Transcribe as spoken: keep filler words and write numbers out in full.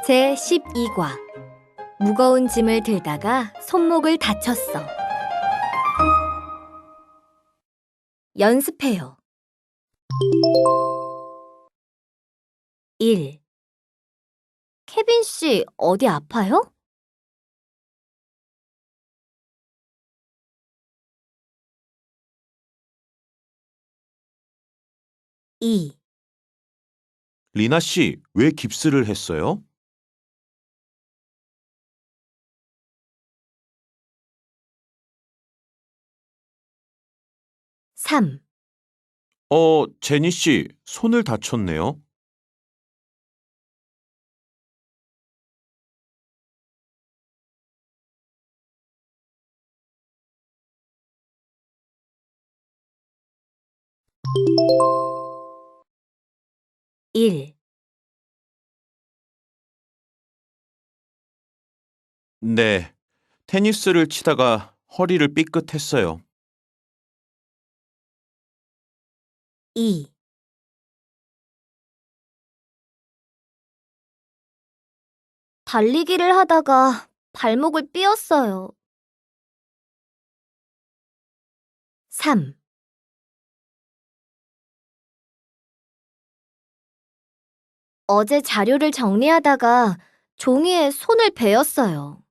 제십이 과 무거운 짐을 들다가 손목을 다쳤어. 연습해요. 일. 케빈 씨, 어디 아파요? 이. 리나 씨, 왜 깁스를 했어요? 삼. 어, 제니 씨, 손을 다쳤네요. 일. 네, 테니스를 치다가 허리를 삐끗했어요. 이. 달리기를 하다가 발목을 삐었어요. 삼. 어제 자료를 정리하다가 종이에 손을 베었어요.